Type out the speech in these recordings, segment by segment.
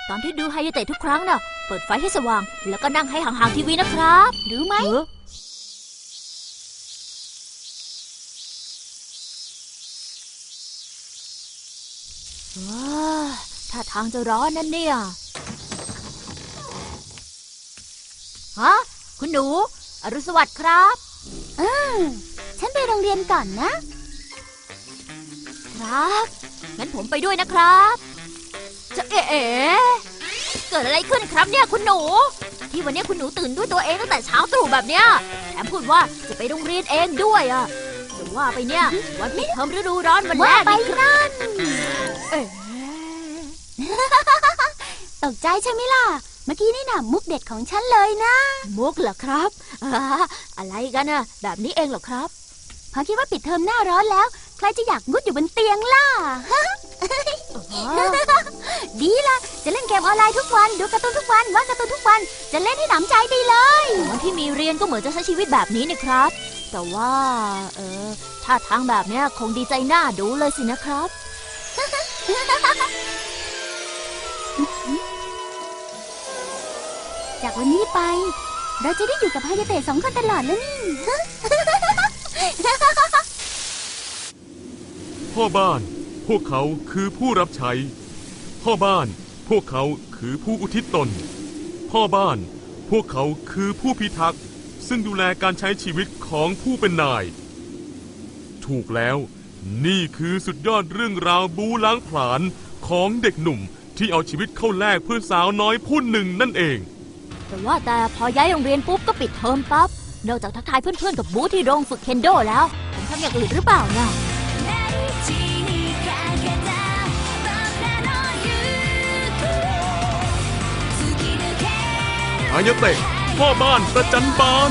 ตอนที่ดูไฮยาเตะทุกครั้งน่ะเปิดไฟให้สว่างแล้วก็นั่งให้ห่างๆทีวีนะครับรู้ไหมว้าถ้าทางจะร้อนนั่นเนี่ยฮะคุณหนูอรุณสวัสดิ์ครับฉันไปโรงเรียนก่อนนะครับงั้นผมไปด้วยนะครับจะเอ๋เกิดอะไรขึ้นครับเนี่ยคุณหนูที่วันนี้คุณหนูตื่นด้วยตัวเองตั้งแต่เช้าตรู่แบบเนี้ยแถมพูดว่าจะไปโรงเรียนเองด้วยอ่ะแต่ว่าไปเนี่ยวันปิดเทอมฤดูร้อนวันแรกนี่นั่นตกใจใช่ไหมล่ะเมื่อกี้นี่น่ะมุกเด็ดของฉันเลยนะมุกเหรอครับอะไรกันน่ะแบบนี้เองเหรอครับพอคิดว่าปิดเทอมหน้าร้อนแล้วใครจะอยากมุดอยู่บนเตียงล่ะดีล่ะจะเล่นเกมออนไลน์ทุกวันดูการ์ตูนทุกวันวาดการ์ตูนทุกวันจะเล่นให้หนำใจไปเลยวันที่มีเรียนก็เหมือนจะใช้ชีวิตแบบนี้นะครับแต่ว่าถ้าทางแบบเนี้ยคงดีใจหน้าดูเลยสินะครับจากวันนี้ไปเราจะได้อยู่กับฮายาเตะ2 คนตลอดแล้วนี่พ่อบ้านพวกเขาคือผู้รับใช้พ่อบ้านพวกเขาคือผู้อุทิศตนพ่อบ้านพวกเขาคือผู้พิทักษ์ซึ่งดูแลการใช้ชีวิตของผู้เป็นนายถูกแล้วนี่คือสุดยอดเรื่องราวบู๊ล้างผลาญของเด็กหนุ่มที่เอาชีวิตเข้าแลกเพื่อสาวน้อยผู้หนึ่งนั่นเองแต่ว่าแต่พอย้ายโรงเรียนปุ๊บก็ปิดเทอมปั๊บนอกจากทักทายเพื่อนๆกับบู๊ที่โรงฝึกเคนโดแล้วผมทำอย่างอื่นหรือเปล่าเนี่ยฮายาเตะพ่อบ้านประจันบาน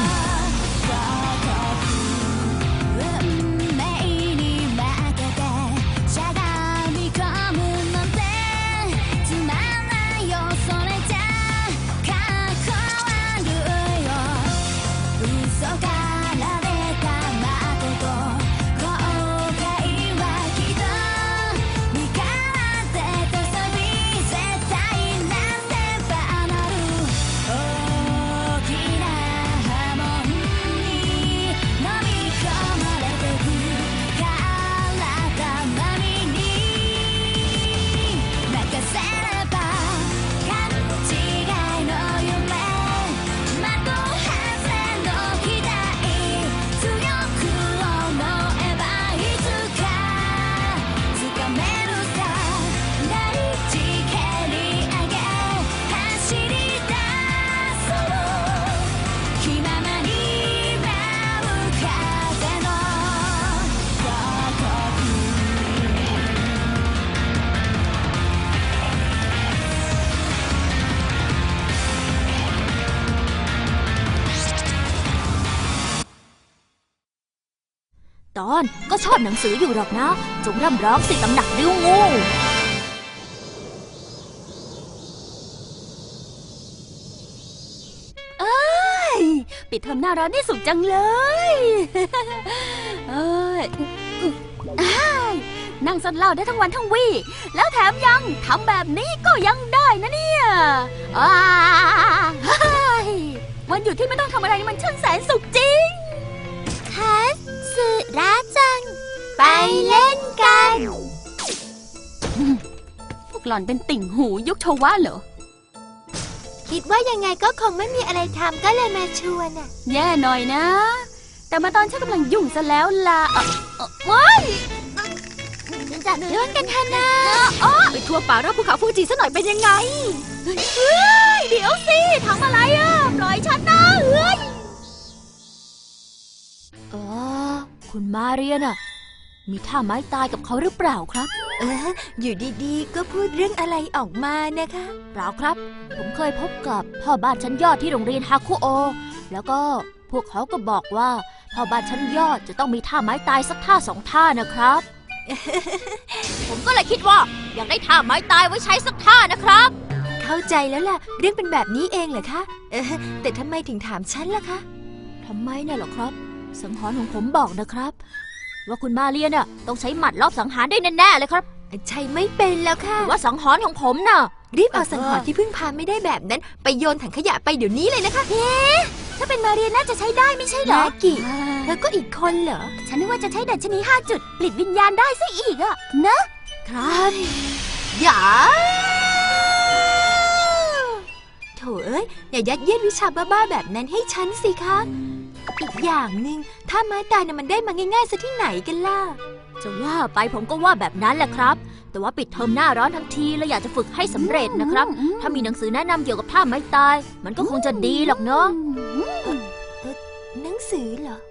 ตอนก็ชอบหนังสืออยู่หรอกนะจงร่ำร้องสิตำหนักดิ้วงูปิดเทอมหน้าร้อนนี่สุขจังเลยนั่งซดเหล้าได้ทั้งวันทั้งวี่แล้วแถมยังทำแบบนี้ก็ยังได้นะเนี่ยวันหยุดที่ไม่ต้องทำอะไรมันช่างแสนสุขจริงคัสสึระจังไปเล่นกันพวกหล่อนเป็นติ่งหูยุคโชวะเหรอคิดว่ายังไงก็คงไม่มีอะไรทำก็เลยมาชวนน่ะแย่หน่อยนะแต่มาตอนฉันกำลังยุ่งซะแล้วล่ะว้ายจะเลื่อนกันเถอะนะไปทัวร์ป่ารอบภูเขาฟูจิซะหน่อยเป็นยังไงเดี๋ยวสิทำอะไรอ่ะปล่อยฉันนะคุณมาเรียนอะมีท่าไม้ตายกับเขาหรือเปล่าครับอยู่ดีๆก็พูดเรื่องอะไรออกมานะคะเปล่าครับผมเคยพบกับพ่อบ้านชั้นยอดที่โรงเรียนฮาคุโอแล้วก็พวกเขาก็บอกว่าพ่อบ้านชั้นยอดจะต้องมีท่าไม้ตายสักท่า2 ท่านะครับ ผมก็เลยคิดว่าอยากได้ท่าไม้ตายไว้ใช้สักท่านะครับเข้าใจแล้วล่ะเรื่องเป็นแบบนี้เองเหรอคะแต่ทำไมถึงถามฉันล่ะคะทำไมเนี่ยหรอครับสังหรณ์ของผมบอกนะครับว่าคุณมาเรียนน่ะต้องใช้หมัดรอบสังหารได้แน่ๆเลยครับใช่ไม่เป็นแล้วค่ะว่าสังหรณ์ของผมน่ะรีบเอาสังหรณ์ที่พึ่งพาไม่ได้แบบนั้น ไปโยนถังขยะไปเดี๋ยวนี้เลยนะคะถ้าเป็นมาเรียนน่าจะใช้ได้ไม่ใช่เหรอนากิเธอก็อีกคนเหรอฉันนึกว่าจะใช้ดัชนี5 จุดปลิดวิญญาณได้ซะอีกอะเนอะครับอย่าโถเอ้ยอย่ายัดเยียดวิชาบ้าๆแบบนั้นให้ฉันสิคะอีกอย่างหนึ่งถ้าไม้ตายน่ะมันได้มาง่ายๆซะที่ไหนกันล่ะจะว่าไปผมก็ว่าแบบนั้นแหละครับ แต่ว่าปิดเทอมหน้าร้อนทั้งทีเลยอยากจะฝึกให้สำเร็จนะครับ ถ้ามีหนังสือแนะนำเกี่ยวกับท่าไม้ตาย มันก็คงจะดีหรอกเนาะหนังสือเหรอ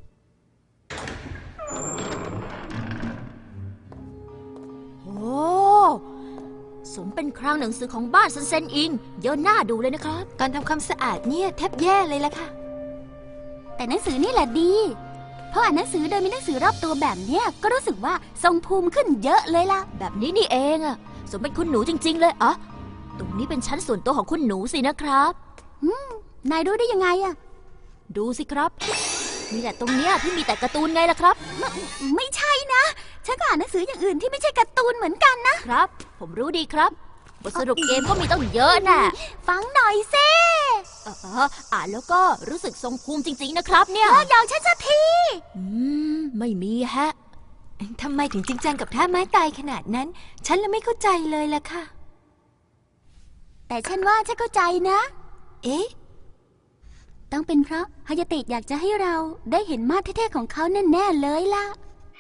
โอ้สมเป็นคลังหนังสือของบ้านซันเซนอิงเยอะหน้าดูเลยนะครับตอนทำความสะอาดเนี่ยแทบแย่เลยล่ะค่ะแต่หนังสือนี่แหละดีเพราะอ่านหนังสือโดยมีหนังสือรอบตัวแบบเนี้ยก็รู้สึกว่าทรงภูมิขึ้นเยอะเลยล่ะแบบนี้นี่เองอะสมเป็นคุณหนูจริง ๆ เลยอะตรงนี้เป็นชั้นส่วนตัวของคุณหนูสินะครับนายรู้ได้ยังไงอะดูสิครับ มีแต่ตรงเนี้ยที่มีแต่การ์ตูนไงล่ะครับไม่ใช่นะ ฉันก็อ่านหนังสืออย่างอื่นที่ไม่ใช่การ์ตูนเหมือนกันนะครับผมรู้ดีครับบทสรุปเกมก็มีต้องเยอะน่ะฟังหน่อยเซ่อ่านแล้วก็รู้สึกทรงภูมิจริง ๆ นะครับเนี่ยเลิกยาวฉันสักทีไม่มีฮะทำไมถึงจริงจังกับท่าไม้ตายขนาดนั้น ฉันเลยไม่เข้าใจเลยล่ะค่ะแต่ฉันว่าฉันเข้าใจนะเอ๊ะต้องเป็นเพราะฮายาเตะอยากจะให้เราได้เห็นมาดเท่ๆของเขาแน่ๆเลยล่ะ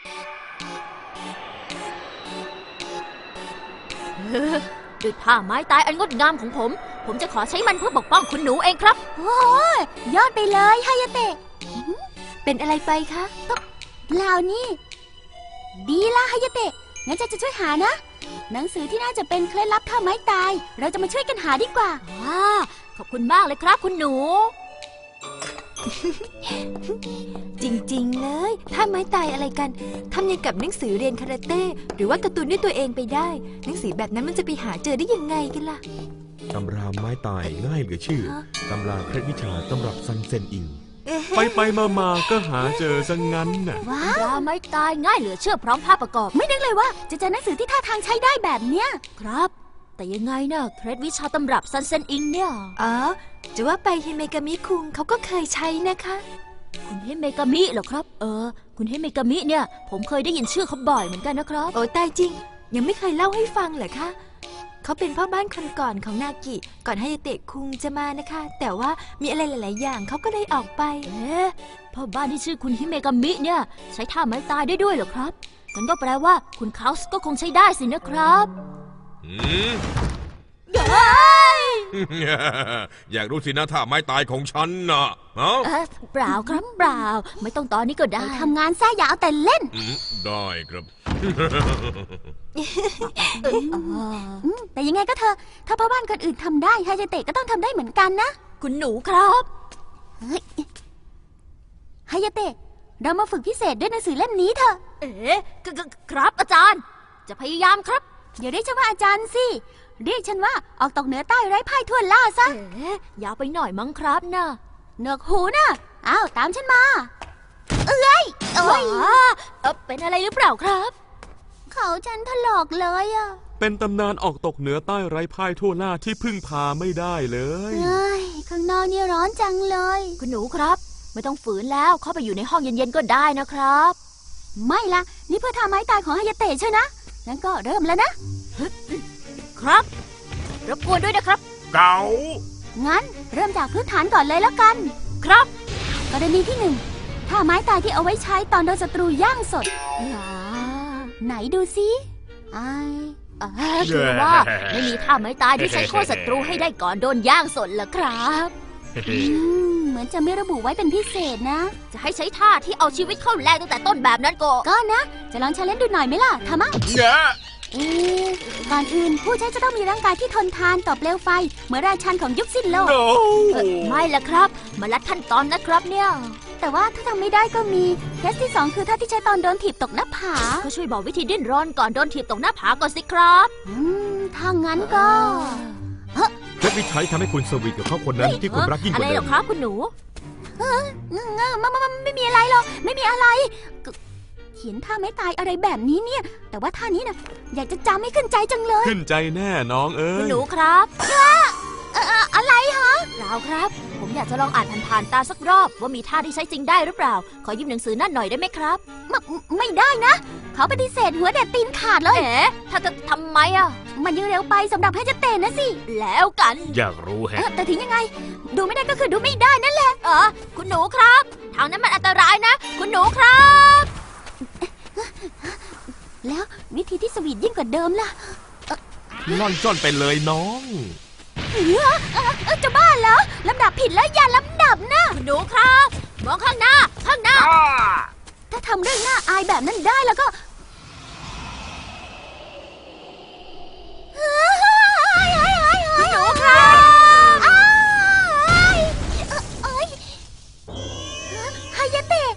ด้วยท่าไม้ตายอันงดงามของผมจะขอใช้มันเพื่อปกป้องคุณหนูเองครับโอ้ยยอดไปเลยฮายาเตะเป็นอะไรไปคะเปล่านี่ ดีละฮายาเตะ งั้นจะช่วยหานะ หนังสือที่น่าจะเป็นเคล็ดลับท่าไม้ตาย เราจะมาช่วยกันหาดีกว่าขอบคุณมากเลยครับคุณหนูจริงๆเลยท่าไม้ตายอะไรกันทำยังกับหนังสือเรียนคาราเต้หรือว่าการ์ตูนด้วยตัวเองไปได้ หนังสือแบบนั้นมันจะไปหาเจอได้ยังไงกันล่ะตำราไม้ตายง่ายเหลือเชื่อ ตำราเคล็ดวิชาตำรับซันเซนอิงไปมาก็หาเจอซะงั้นน่ะว้าตำราไม้ตายง่ายเหลือเชื่อพร้อมภาพประกอบไม่นึกเลยว่าจะเจอหนังสือที่ท่าทางใช้ได้แบบเนี้ยครับ แต่ยังไงนะเคล็ดวิชาตำรับซันเซนอิงเนี่ยอ๋อ จะว่าไปเฮเมกามิคุงเขาก็เคยใช้นะคะคุณเฮเมกามิเหรอครับ คุณเฮเมกามิเนี่ย ผมเคยได้ยินชื่อเขาบ่อยเหมือนกันนะครับโอ้ตายจริง ยังไม่เคยเล่าให้ฟังเหรอคะ เขาเป็นพ่อบ้านคนก่อนของนากิ ก่อนให้เตะคุงจะมานะคะ แต่ว่ามีอะไรหลาย ๆ อย่างเขาก็เลยออกไปพ่อบ้านที่ชื่อคุณฮิเมกามิเนี่ยใช้ท่าไม้ตายได้ด้วยเหรอครับงั้นก็แปลว่าคุณคาสก็คงใช้ได้สินะครับอืม อยากรู้สินะท่าไม้ตายของฉันนะเอ้าเปล่าครับเปล่า ไม่ต้องตอนนี้ก็ได้ทำงานแท้อย่าเอาแต่เล่นได้ครับแต่ยังไงก็เถอะ ถ้าพ่อบ้านคนอื่นทำได้ฮายาเตะก็ต้องทำได้เหมือนกันนะคุณหนูครับฮายาเตะ เรามาฝึกพิเศษด้วยหนังสือเล่มนี้เถอะครับอาจารย์ จะพยายามครับอย่าเรียกฉันว่าอาจารย์สิ เรียกฉันว่าออกตกเหนือใต้ไร้พ่ายทั่วล่าซะยาวไปหน่อยมั้งครับนะเหนือกหูนะอ้าวตามฉันมา เอ้ยว้าเป็นอะไรหรือเปล่าครับเขาฉันถลอกเลยอะเป็นตำนานออกตกเหนือใต้ไร้พ่ายทั่วหน้าที่พึ่งพาไม่ได้เลยเอ้ยข้างนอกนี่ร้อนจังเลยคุณหนูครับ ไม่ต้องฝืนแล้วเข้าไปอยู่ในห้องเย็นๆก็ได้นะครับไม่ละนี่เพื่อทำไม้ตายของฮายาเตะใช่นะงั้นก็เริ่มแล้วนะครับรบกวนด้วยนะครับเก๋างั้นเริ่มจากพื้นฐานก่อนเลยแล้วกันครับกรณีที่หนึ่งท่าไม้ตายที่เอาไว้ใช้ตอนโดนศัตรูย่างสด ไหนดูซิไอคือว่าไม่มีท่าไม้ตายที่ใช้โค่นศัตรูให้ได้ก่อนโดนย่างสดเหรอครับเหมือนจะไม่ระบุไว้เป็นพิเศษนะจะให้ใช้ท่าที่เอาชีวิตเข้าแลกตั้งแต่ต้นแบบนั้นก็ก็นะ จะลองใช้เล่นดูหน่อยไหมล่ะทำมั้งเนี่ยก่อนอื่นผู้ใช้จะต้องมีร่างกายที่ทนทานต่อเปลวไฟ เหมือนราชันของยุคสิ้นโลกโอ้ไม่ละครับ มาลัดขั้นตอนนะครับเนี่ยแต่ว่าถ้าทำไม่ได้ก็มีเคสที่ 2 คือท่าที่ใช้ตอนโดนถีบตกหน้าผาก็ช่วยบอกวิธีดิ้นรนก่อนโดนถีบตกหน้าผาก่อนสิครับถ้างั้นก็เคล็ดวิชัยทำให้คุณสวีทกับเขาคนนั้นที่คุณรักยิ่งกอะไรว่าเหเดิรอมครับคุณหนูมันไม่มีอะไรหรอก ไม่มีอะไรขียนท่าไม้ตายอะไรแบบนี้เนี่ย แต่ว่าท่านี้นะอยากจะจำให้ขึ้นใจจังเลยขึ้นใจแน่น้องเอ้คุณยหนูครับอะไรฮะเปล่าครับ ผมอยากจะลองอ่านผ่านๆตาสักรอบ ว่ามีท่าที่ใช้จริงได้หรือเปล่า ขอยืมหนังสือนั่นหน่อยได้ไหมครับไม่ได้นะ เขาปฏิเสธหัวเด็ดตีนขาดเลยเอ๋ถ้าจะทำไมอ่ะมันยังเร็วไปสำหรับให้จะเตะนะสิแล้วกันอยากรู้แฮะแต่ถึงยังไง ดูไม่ได้ก็คือดูไม่ได้นั่นแหละคุณหนูครับ ทางนั้นมันอันตรายนะ คุณหนูครับแล้ววิธีที่สวีทยิ่งกว่าเดิมล่ะล่อนจ้อนไปเลยน้องจะบ้าเหรอลำดับผิดแล้วอย่าลำดับนะคุณหนูครับ มองข้างหน้า ข้างหน้าถ้าทำเรื่องน่าอายแบบนั้นได้แล้วก็คุณหนูครับฮายาเตะ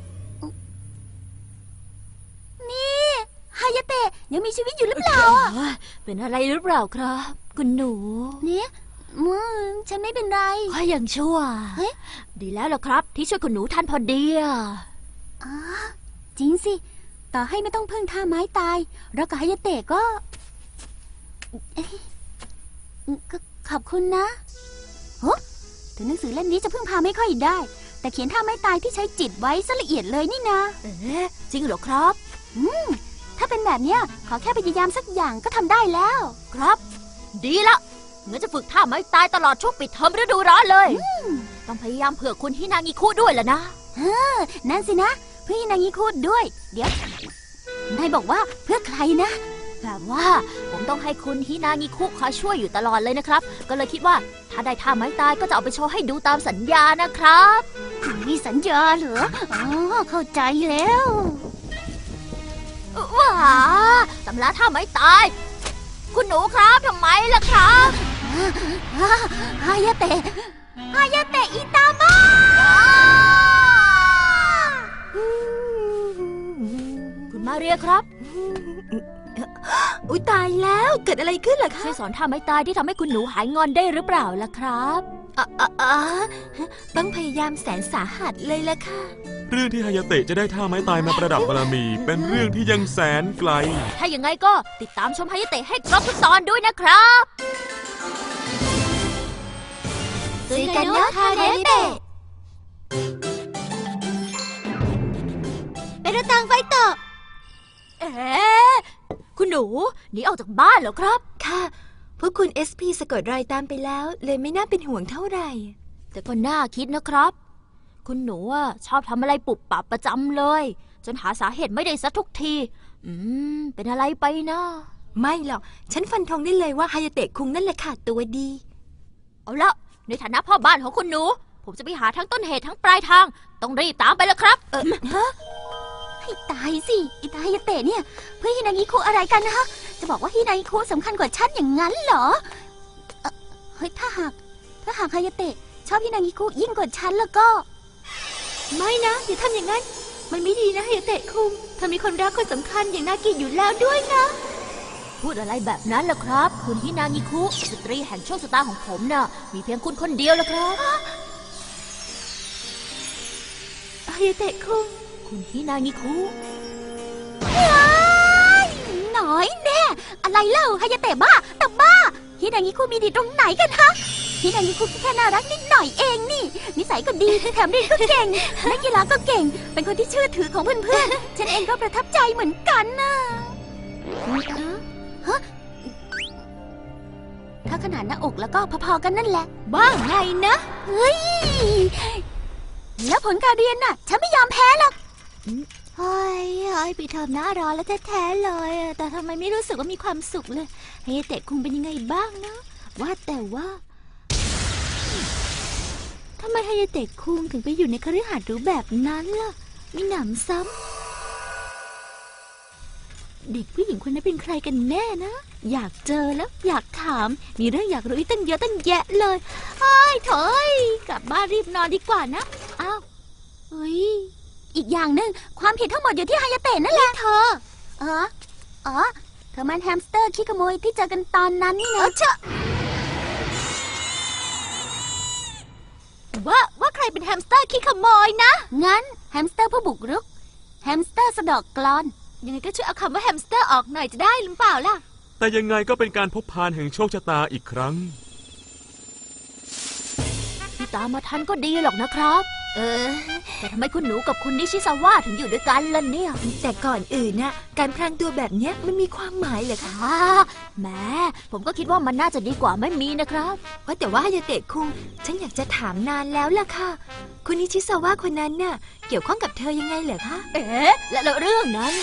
นี่ฮายาเตะยังมีชีวิตอยู่หรือเปล่าอ่ะเป็นอะไรหรือเปล่าครับ คุณหนูเนี่ยฉันไม่เป็นไรค่อยยังชั่วเฮ้ยดีแล้วล่ะครับ ที่ช่วยคุณหนูทันพอดีอะจริงสิ ต่อให้ไม่ต้องพึ่งท่าไม้ตายเรากับฮายาเตะก็ขอบคุณนะโอ้ถึงหนังสือเล่มนี้จะพึ่งพาไม่ค่อยได้ แต่เขียนท่าไม้ตายที่ใช้จิตไว้ซะละเอียดเลยนี่นะเอ๊ะจริงเหรอครับถ้าเป็นแบบเนี้ยขอแค่พยายามสักอย่างก็ทำได้แล้วครับ ดีละงั้นจะฝึกท่าไม้ตายตลอดช่วงปิดเทอมฤดูร้อนเลย ต้องพยายามเผื่อคุณฮินางิคุด้วยล่ะนะนั่นสินะเพื่อนางิคุดด้วย เดี๋ยว นายบอกว่าเพื่อใครนะแบบว่าผมต้องให้คุณฮินางิคุคอยช่วยอยู่ตลอดเลยนะครับ ก็เลยคิดว่าถ้าได้ท่าไม้ตายก็จะเอาไปโชว์ให้ดูตามสัญญานะครับมีสัญญาเหรอ อ๋อ เข้าใจแล้วว้าตำราท่าไม้ตาย คุณหนูครับทำไมล่ะครับฮายาเตะฮายาเตะอิตามะคุณมาเรียครับอุ๊ยตายแล้วเกิดอะไรขึ้นล่ะคะช่วยสอนท่าไม้ตายที่ทำให้คุณหนูหายงอนได้หรือเปล่าล่ะครับต้องพยายามแสนสาหัสเลยล่ะค่ะเรื่องที่ฮายาเตะจะได้ท่าไม้ตายมาประดับบารมี เป็นเรื่องที่ยังแสนไกลถ้าอย่างไงก็ติดตามชมฮายาเตะให้ครบทุกตอนด้วยนะครับซุยกันโนะฮายาเตะไปรถตังไฟต่อเอ๊ะคุณหนูหนีออกจากบ้านเหรอครับค่ะ พวกคุณ SP สะกดรอยตามไปแล้ว เลยไม่น่าเป็นห่วงเท่าไหร่แต่ก็น่าคิดนะครับ คุณหนูอะชอบทำอะไรปุบปับประจำเลย จนหาสาเหตุไม่ได้สักทุกที เป็นอะไรไปนะไม่หรอก ฉันฟันธงได้เลยว่าฮายาเตะคุงนั่นแหละค่ะตัวดีเอาละในฐานะพ่อบ้านของคุณหนู ผมจะไปหาทั้งต้นเหตุทั้งปลายทาง ต้องรีบตามไปแล้วครับให้ตายสิอิตาฮายาเตะเนี่ย เพื่อฮินางิคุอะไรกันนะฮะ จะบอกว่าฮินางิคุสำคัญกว่าฉันอย่างนั้นเหรอเฮ้ยถ้าหากฮายาเตะชอบฮินางิคุยิ่งกว่าฉันแล้วก็ไม่นะอย่าทำอย่างนั้น มันไม่ดีนะฮายาเตะคุงเธอมีคนรักคนสำคัญอย่างนากิอยู่แล้วด้วยนะพูดอะไรแบบนั้นล่ะครับ คุณฮินางิคุสตรีแห่งโชคชะตาของผมน่ะ มีเพียงคุณคนเดียวล่ะครับฮายาเตะคุงคุณฮินางิคุหน่อยแน่ อะไรเล่าฮายาเตะบ้าแต่บ้าฮินางิคุมีดีตรงไหนกันฮะฮินางิคุแค่น่ารักนิดหน่อยเองนี่ นิสัยก็ดีแถมเรียนก็เก่งนักกีฬาก็เก่ง เป็นคนที่เชื่อถือของเพื่อนๆ ฉันเองก็ประทับใจเหมือนกันนะฮะถ้าขนาดหน้าอกแล้วก็พอๆกันนั่นแหละบ้าไงนะเฮ้ย แล้วผลการเรียนน่ะ ฉันไม่ยอมแพ้หรอกเฮ้ยปีเทอมหน้ารอแล้วแท้ๆเลยอะแต่ทำไมไม่รู้สึกว่ามีความสุขเลยฮายาเตะคุงเป็นยังไงบ้างนะว่าแต่ว่าทำไมฮายาเตะคุงถึงไปอยู่ในคฤหาสน์หรูแบบนั้นล่ะมีหนำซ้ำเด็กผู้หญิงคนนั้นเป็นใครกันแน่นะ อยากเจอแล้วอยากถามมีเรื่องอยากรู้อีกตั้งเยอะตั้งแยะเลยเฮ้ยโถยกลับบ้านรีบนอนดีกว่านะอ้าวเฮ้ยอีกอย่างหนึ่งความผิดทั้งหมดอยู่ที่ฮายาเตะนั่นแหละเธออ๋อเธอมันแฮมสเตอร์ขี้ขโมยที่เจอกันตอนนั้นนี่นะเชอะว่าใครเป็นแฮมสเตอร์ขี้ขโมยนะงั้นแฮมสเตอร์ผู้บุกรุกแฮมสเตอร์สะเดอกกลอนยังไงก็ช่วยเอาคำว่าแฮมสเตอร์ออกหน่อยจะได้หรือเปล่าล่ะแต่ยังไงก็เป็นการพบพานแห่งโชคชะตาอีกครั้งที่ตามมาทันก็ดีหรอกนะครับ แต่ทำไมคุณหนูกับคุณนิชิซาวะถึงอยู่ด้วยกันล่ะเนี่ยแต่ก่อนอื่นน่ะการพรางตัวแบบเนี้ยมันมีความหมายเหรอคะแหมผมก็คิดว่ามันน่าจะดีกว่าไม่มีนะครับว่าแต่ว่าฮายาเตะคุงฉันอยากจะถามนานแล้วล่ะค่ะ คุณนิชิซาวะคนนั้นน่ะเกี่ยวข้องกับเธอยังไงเหรอคะแล้วเรื่องนั้น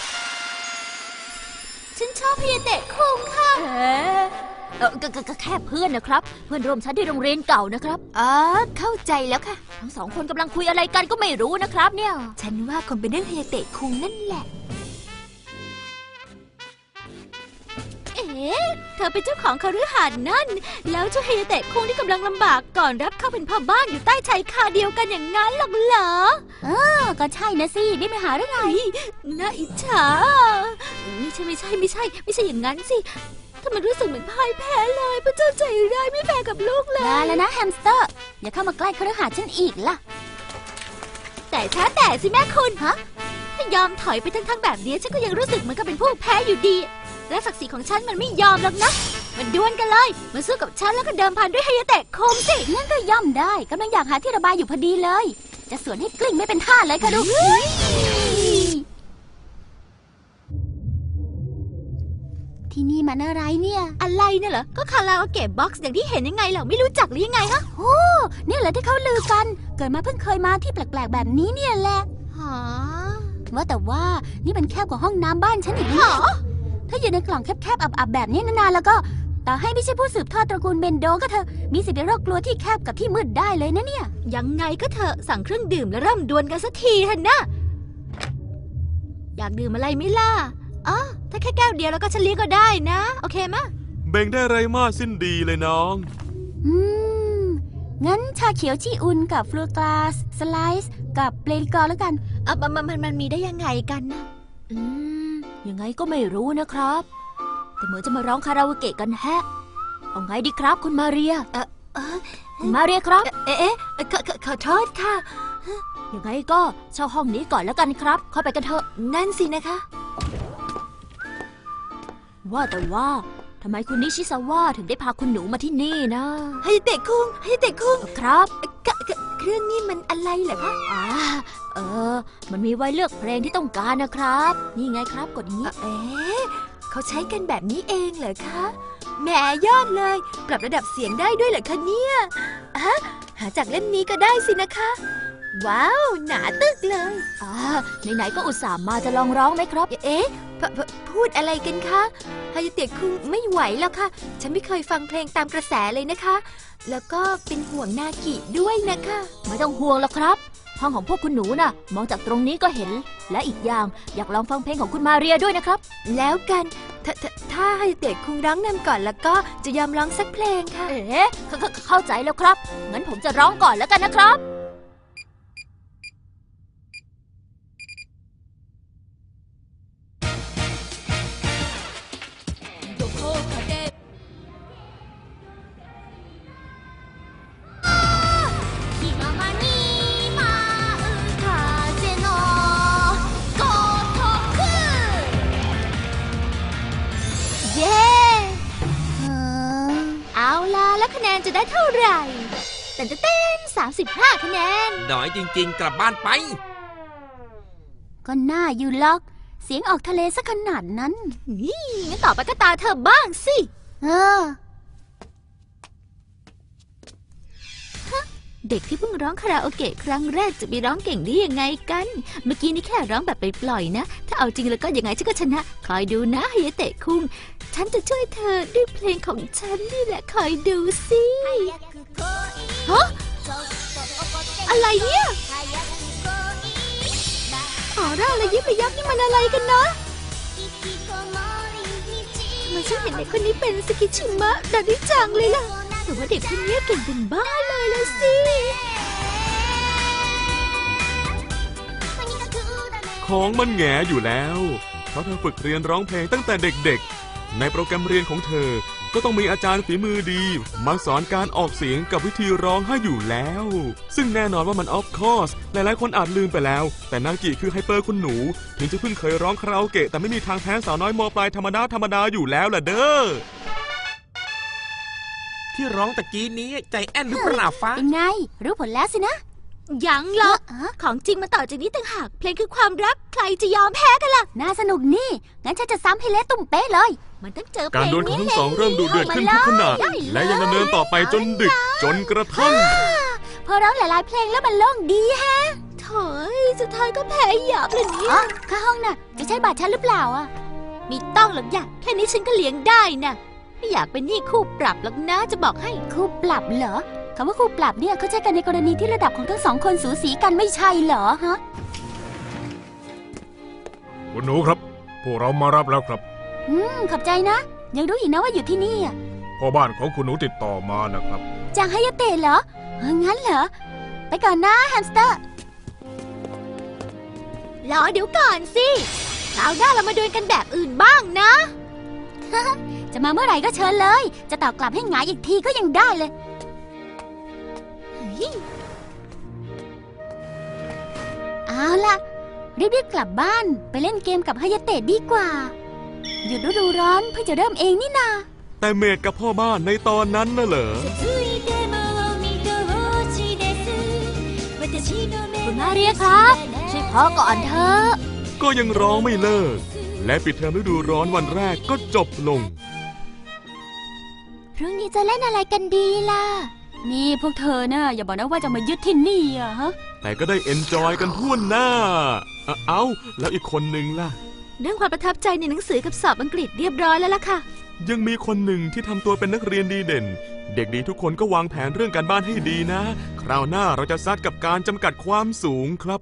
ฉันชอบฮิยาเตะคุงค่ะก็แค่เพื่อนนะครับ เพื่อนร่วมชั้นที่โรงเรียนเก่านะครับอ๋อเข้าใจแล้วค่ะทั้งสองคนกำลังคุยอะไรกันก็ไม่รู้นะครับเนี่ยฉันว่าคงเป็นเรื่องฮายาเตะคุงนั่นแหละเธอเป็นเจ้าของคฤหาสน์นั่น แล้วเจ้าฮิยาเตะคุงที่กำลังลำบากก่อนรับเข้าเป็นพ่อบ้านอยู่ใต้ชายคาเดียวกันอย่างนั้นหรอกเหรอก็ใช่นะสินี่ไม่หาเรื่องไงน่าอิจฉาไม่ใช่อย่างนั้นสิทำไมรู้สึกเหมือนพ่ายแพ้เลยพระเจ้าใจร้ายไม่แฟร์กับลูกเลยลาแล้วนะแฮมสเตอร์ อย่าเข้ามาใกล้คฤหาสน์ฉันอีกล่ะแต่สิแม่คุณฮะถ้ายอมถอยไปทั้งแบบนี้ฉันก็ยังรู้สึกเหมือนกับเป็นผู้แพ้อยู่ดี และศักดิ์ศรีของฉันมันไม่ยอมหรอกนะมันดวลกันเลยมาสู้กับฉันแล้วก็เดิมพันด้วยฮายาเตะคมสิงั้นก็ย่อมได้กำลังอยากหาที่ระบายอยู่พอดีเลย จะสวนให้กลิ้งไม่เป็นท่าเลยค่ะดูที่นี่มันอะไรเนี่ยอะไรเนี่ยเหรอก็คาราโอเกะบ็อกซ์อย่างที่เห็นยังไงเหรอไม่รู้จักหรือยังไงฮะเนี่ยแหละที่เขาลือกัน เกิดมาเพิ่งเคยมาที่แปลกๆแบบนี้เนี่ยแหละหาว่าแต่ว่านี่มันแคบกว่าห้องน้ำบ้านฉันอีกนะถ้าอยู่ในกล่องแคบๆอับๆแบบนี้นานๆแล้วก็ต่อให้ไม่ใช่ผู้สืบทอดตระกูลเบนโดก็เถอะมีสิทธิ์ในโรคกลัวที่แคบกับที่มืดได้เลยนะเนี่ยยังไงก็เถอะสั่งเครื่องดื่มแล้วเริ่มดวลกันสักทีเถอะนะอยากดื่มอะไรไหม่ล่ะอ๋อถ้าแค่แก้วเดียวแล้วก็ฉันเลี้ยงก็ได้นะโอเคมะเบ่งได้ไรมากสิ้นดีเลยน้องอืม งั้นชาเขียวชีอุนกับฟลูกลาสสไลซ์กับเปลริกอร์แล้วกันมันมีได้ยังไงกันนะยังไงก็ไม่รู้นะครับ แต่เหมือนจะมาร้องคาราโอเกะกันแฮะ เอาไงดีครับคุณมาเรีย คุณมาเรียครับขอโทษค่ะยังไงก็เช่าห้องนี้ก่อนแล้วกันครับ เข้าไปกันเถอะนั่นสินะคะว่าแต่ว่าทำไมคุณนิชิซาวะถึงได้พาคุณหนูมาที่นี่นะฮายาเตะคุงครับเครื่องนี้มันอะไรเหรอคะมันมีไว้เลือกเพลงที่ต้องการนะครับ นี่ไงครับกดอย่างนี้เขาใช้กันแบบนี้เองเหรอคะแหมยอดเลย ปรับระดับเสียงได้ด้วยเหรอคะเนี่ยหาจากเล่มนี้ก็ได้สินะคะ ว้าว หนาตึกเลยไหนๆก็อุตส่าห์มาจะลองร้องไหมครับพูดอะไรกันคะฮายาเตะคุงไม่ไหวแล้วค่ะ ฉันไม่เคยฟังเพลงตามกระแสเลยนะคะ แล้วก็เป็นห่วงนากิด้วยนะคะไม่ต้องห่วงแล้วครับ ห้องของพวกคุณหนูน่ะ มองจากตรงนี้ก็เห็น และอีกอย่างอยากลองฟังเพลงของคุณมาเรียด้วยนะครับแล้วกัน ถ้าฮายาเตะคุงร้องนำก่อนแล้วก็จะยอมร้องสักเพลงค่ะเข้าใจแล้วครับ งั้นผมจะร้องก่อนแล้วกันนะครับเย้เอาล่ะแล้วคะแนนจะได้เท่าไหร่35 คะแนนน้อยจริงๆ กลับบ้านไปก็น่าอยู่ล็อก เสียงออกทะเลซะขนาดนั้นงั้นต่อไปก็ตาเธอบ้างสิ เด็กที่เพิ่งร้องคาราโอเกะครั้งแรกจะไปร้องเก่งได้ยังไงกัน เมื่อกี้นี่แค่ร้องแบบไปปล่อยๆนะ ถ้าเอาจริงแล้วก็ยังไงฉันก็ชนะ คอยดูนะฮายาเตะคุง ฉันจะช่วยเธอด้วยเพลงของฉันนี่แหละคอยดูสิฮะอะไรเนี่ยออร่าอะไรยิบไปยับนี่มันอะไรกันนะทำไมฉันเห็นเด็กคนนี้เป็นสกิชิมะดาดิจังเลยล่ะแต่ว่าเด็กคนนี้เก่งเป็นบ้าเลยละสิของมันแหงอยู่แล้ว เพราะเธอฝึกเรียนร้องเพลงตั้งแต่เด็กๆ ในโปรแกรมเรียนของเธอก็ก็ต้องมีอาจารย์ฝีมือดีมาสอนการออกเสียงกับวิธีร้องให้อยู่แล้ว ซึ่งแน่นอนว่ามันออฟคอร์สหลายๆคนอาจลืมไปแล้วแต่นากิคือไฮเปอร์คุณหนูถึงจะเพิ่งเคยร้องคาราโอเกะแต่ไม่มีทางแพ้สาวน้อยมปลายธรรมดาอยู่แล้วล่ะเด้อที่ร้องตะกี้นี้ใจแอนหรือเปล่าฟ้าเป็นไง รู้ผลแล้วสินะยังหรอกของจริงมาต่อจากนี้ต่างหากเพลงคือความรักใครจะยอมแพ้กันล่ะน่าสนุกนี่ งั้นฉันจะซ้ำให้เละตุ่มเป๊ะเลยมันต้องเจอเพการลงดวลของนี้ทั้งสองเริ่มดุเดือดขึ้นทุกขณะและยังดำเนินต่อไปจนดึกจนกระทั่งพอร้องหลายๆเพลงแล้วมันโล่งดีแฮะโถยสุดท้ายก็แพ้หยาบเลยเนี่ยอ๋อค่าห้องน่ะ จะใช้บัตรฉันหรือเปล่าอ่ะไมีต้องหรอกอยากแค่นี้ฉันก็เลี้ยงได้นะไม่อยากเป็นหนี้คู่ปรับหรอกนะจะบอกให้คู่ปรับเหรอคำว่าคู่ปรับเนี่ยเขาใช้กันในกรณีที่ระดับของทั้งสองคนสูสีกันไม่ใช่เหรอฮะคุณหนูครับ พวกเรามารับแล้วครับขอบใจนะ ยังรู้อีกนะว่าอยู่ที่นี่อ่ะพ่อบ้านของคุณหนูติดต่อมานะครับจางฮายาเตะเหรองั้นเหรอ ไปก่อนนะแฮมสเตอร์รอเดี๋ยวก่อนสิคราวหน้าเรามาดวลกันแบบอื่นบ้างนะจะมาเมื่อไหร่ก็เชิญเลย จะตอบกลับให้หงายอีกทีก็ยังได้เลย เอาล่ะ รีบๆกลับบ้านไปเล่นเกมกับฮายาเตะดีกว่า หยุดฤดูร้อนเพิ่งจะเริ่มเองนี่นาแต่เมดกับพ่อบ้านในตอนนั้นน่ะเหรอคุณมาเรียครับช่วยพอก่อนเถอะก็ยังร้องไม่เลิก และปิดเทอมฤดูร้อนวันแรกก็จบลงพรุ่งนี้จะเล่นอะไรกันดีล่ะ นี่พวกเธอน่ะอย่าบอกนะว่าจะมายึดที่นี่อะฮะแต่ก็ได้เอนจอยกันทั่วหน้า เอ้าแล้วอีกคนนึงล่ะเรื่องความประทับใจในหนังสือกับสอบอังกฤษเรียบร้อยแล้วล่ะค่ะยังมีคนหนึ่งที่ทำตัวเป็นนักเรียนดีเด่น เด็กดีทุกคนก็วางแผนเรื่องการบ้านให้ดีนะ คราวหน้าเราจะซัดกับการจำกัดความสูงครับ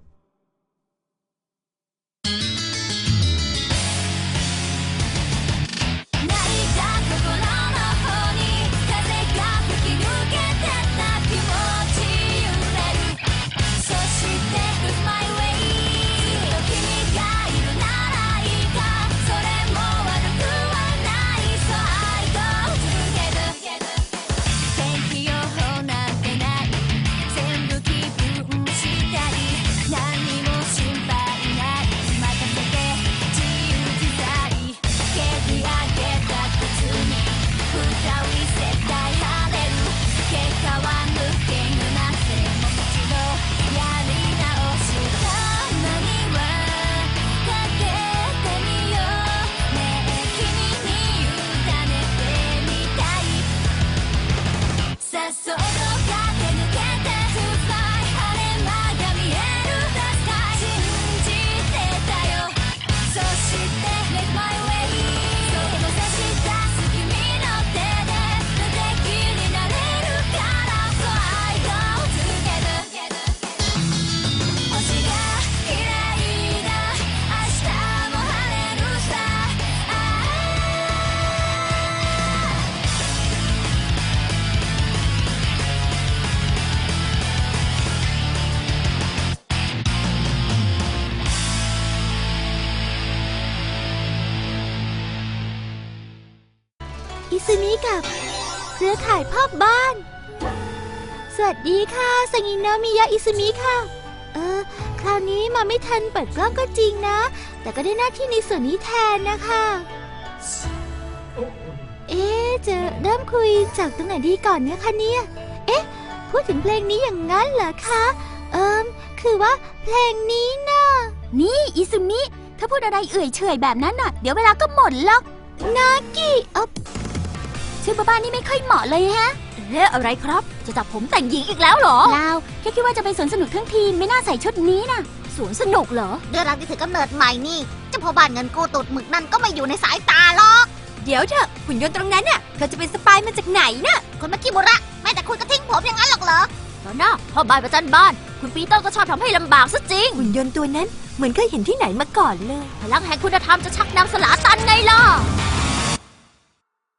อิซึมิกับเครือข่ายพ่อบ้าน สวัสดีค่ะสังินามิยะอิซึมิค่ะ คราวนี้มาไม่ทันเปิดกล้องก็จริงนะ แต่ก็ได้หน้าที่ในส่วนนี้แทนนะคะ จะเริ่มคุยจากตรงไหนดีก่อนเนี่ยคะเนี่ย พูดถึงเพลงนี้อย่างนั้นเหรอคะ คือว่าเพลงนี้น่ะนี่อิซุมิ ถ้าพูดอะไรเอื่อยเฉยแบบนั้นน่ะ เดี๋ยวเวลาก็หมดแล้วนากิชื่อบ้านนี่ไม่ค่อยเหมาะเลยฮะอะไรครับ จะจับผมแต่งหญิงอีกแล้วเหรอลาวแค่คิดว่าจะไปสวนสนุกทั้งทีไม่น่าใส่ชุดนี้น่ะสวนสนุกเหรอเดือนรักที่ถือกำเนิดใหม่นี่เจ้าพ่อบ้านเงินกู้ตูดหมึกนั่นก็ไม่อยู่ในสายตาหรอกเดี๋ยวเถอะหุ่นยนต์ตรงนั้นน่ะเขาจะเป็นสปายมาจากไหนน่ะคนเมื่อกี้บุระแม้แต่คุณก็ทิ้งผมอย่างนั้นหรอกเหรอตอนหน้าพ่อบ้านประจันบ้าน คุณปีเตอร์ก็ชอบทำให้ลำบากซะจริงหุ่นยนต์ตัวนั้นเหมือนเคยเห็นที่ไหนมาก่อนเลยพลังแห่งคุณธรรมจะชักนำสลาตันไงล่ะ